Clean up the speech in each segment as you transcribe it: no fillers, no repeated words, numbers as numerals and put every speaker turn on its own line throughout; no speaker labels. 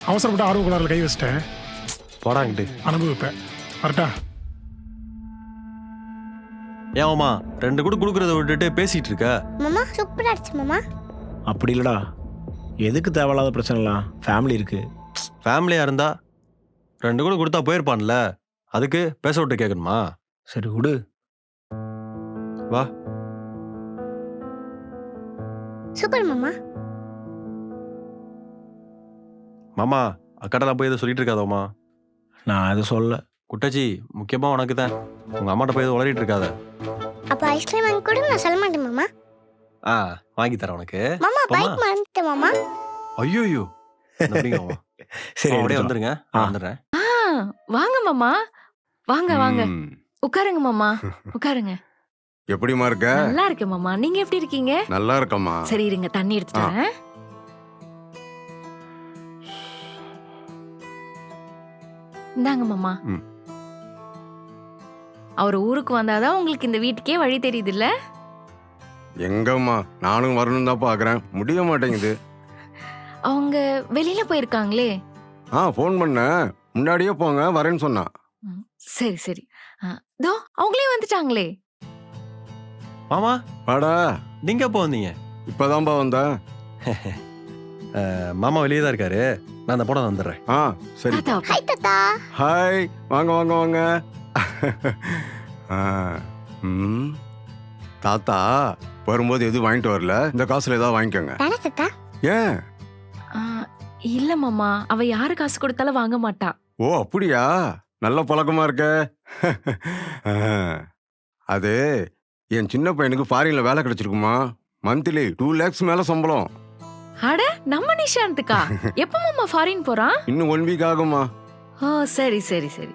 அவசரப்பட்டு ஆர்வ கோளாறுல கை வச்சிட்டேன்.
போடாங்கிட்டு
அனுபவிப்பேன். வரட்டா?
ஏன்மா 2 கூட குடுக்கறத விட்டுட்டு பேசிட்டு இருக்க?
மாமா சூப்பரா அடிச்சு மாமா.
அப்படி இல்லடா, எதுக்கு தேவையில்லாத பிரச்சனைலாம்? ஃபேமிலி இருக்கு.
ஃபேமிலியா இருந்தா 2 கூட கொடுத்தா போயிருப்பான்ல, அதுக்கு பேச விட்டு கேட்கணுமா?
சரி விடு.
வா.
சூப்பர் மாமா.
மாமா அக்காட்டெல்லாம் போய் எதுவும் சொல்லிட்டு இருக்காதோமா.
நான் எதுவும் சொல்ல.
குட்டாச்சி முக்கியமா உனக்கு தான். உங்க அம்மாட்ட போய் எதுவும் உளறிட்டு இருக்காத.
அப்ப ஐஸ்கிரீம் வாங்கி கூட நான் சொல்ல மாட்டேன் மாமா.
வாங்கி தரேன் உனக்கு.
மாமா
போமா.
பைக் மறந்துட்டேன் மாமா.
ஐயோ
சரி
அப்படியே
எடுத்துட்டு வா.
வந்துருங்க.
ஆ.
வந்துடுறேன்.
வாங்க மாமா, வாங்க வாங்க, உட்காருங்க மாமா, உட்காருங்க.
எப்படிமா இருக்க?
நல்லா இருக்கேன் மாமா, நீங்க எப்படி இருக்கீங்க?
நல்லா இருக்கம்மா.
சரி இருங்க, தண்ணி எடுத்துட்டு வரேன். இந்தாங்க மாமா.
ம்.
அவர் ஊருக்கு வந்தாதான் உங்களுக்கு இந்த வீட்டுக்கே வழி தெரியுது இல்ல?
எங்கம்மா நானும் வரணும் தான் பாக்குறேன், முடிய மாட்டேங்குது.
அவங்க வெளியில போயிருக்காங்களே.
ஃபோன் பண்ண முன்னாடியே போங்க வரேன்னு சொன்னா.
சரி சரி. தோ அவங்களே வந்துட்டாங்களே.
மாமா
வாடா.
நீங்க எப்போ வந்தீங்க?
இப்பதான்பா வந்தேன்.
மாமா வெளியே தான் இருக்காரு, நான் அந்த போட வந்துடுறேன்.
சரி.
தாத்தா,
ஹாய் தாத்தா.
ஹாய், வாங்க வாங்க வாங்க. தாத்தா வரும்போது எதுவும் வாங்கிட்டு வரல, இந்த காசுல ஏதாவது வாங்கிக்கோங்க.
தானே தாத்தா?
ஏன்?
இல்ல மாமா, அவ யாரு காசு கொடுத்தாலும் வாங்க மாட்டா.
ஓ அப்படியா, நல்ல பழக்கமா இருக்க. அது என் சின்ன பையனுக்கு ஃபாரின்ல வேலை கிடைச்சிருக்குமா, மந்த்லி 2 lakhs மேல சம்பளம்.
அட நம்ம நிஷாந்துக்கா? எப்ப மாமா ஃபாரின் போறான்?
இன்னும் 1 week ஆகுமா.
ஓ சரி சரி சரி.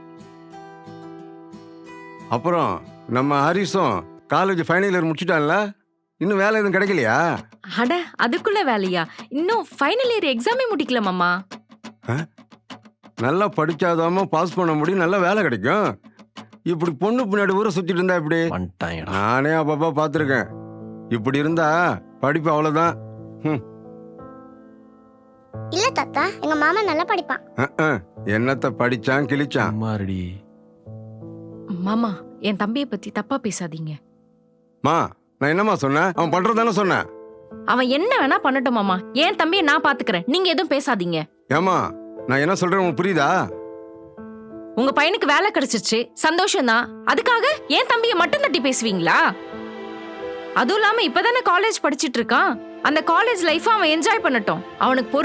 அப்புறம் நம்ம ஹரிஸும் காலேஜ் ஃபைனல் இயர் முடிச்சுட்டான்ல, இன்னும் வேலை எதுவும் கிடைக்கலையா?
அட அதுக்குள்ள வேலையா? இன்னும் ஃபைனல் இயர் எக்ஸாமே முடிக்கல மாமா.
நல்லா படிச்சாதாம பாஸ் பண்ண முடியும், நல்ல வேலை கிடைக்கும். இப்படி பொண்ணு பின்னாடி ஊரை சுத்திட்டு இருந்தா இப்படி?
வந்துட்டாங்கடா.
நானே அப்பப்பா பார்த்துருக்கேன். இப்படி இருந்தா படிப்பு அவ்வளவுதான்.
இல்ல தாத்தா, எங்க மாமா நல்லா படிப்பான்.
என்னத்த படிச்சான் கிழிச்சான்.
அம்மாடி.
மாமா என் தம்பியை பத்தி தப்பா பேசாதீங்க.
மா நான் என்னம்மா சொன்னேன்? அவன் பண்றதானே சொன்னேன்.
அவன் என்ன வேணா பண்ணட்டும் மாமா, என் தம்பியை நான் பாத்துக்கிறேன், நீங்க எதுவும் பேசாதீங்க.
ஏமா நான் என்ன சொல்றேன் உனக்கு புரியுதா?
உங்க பையனுக்கு வேலை கிடைச்சிருச்சு, சந்தோஷம் தான். அதுக்காக என் தம்பியை மட்டும் தட்டி பேசுவீங்களா? அதுவும் இல்லாம இப்பதானே காலேஜ் படிச்சிட்டு இருக்கான். அந்த காலேஜ் லைஃப் அவன் என்ஜாய் பண்ணட்டும். அவனுக்கு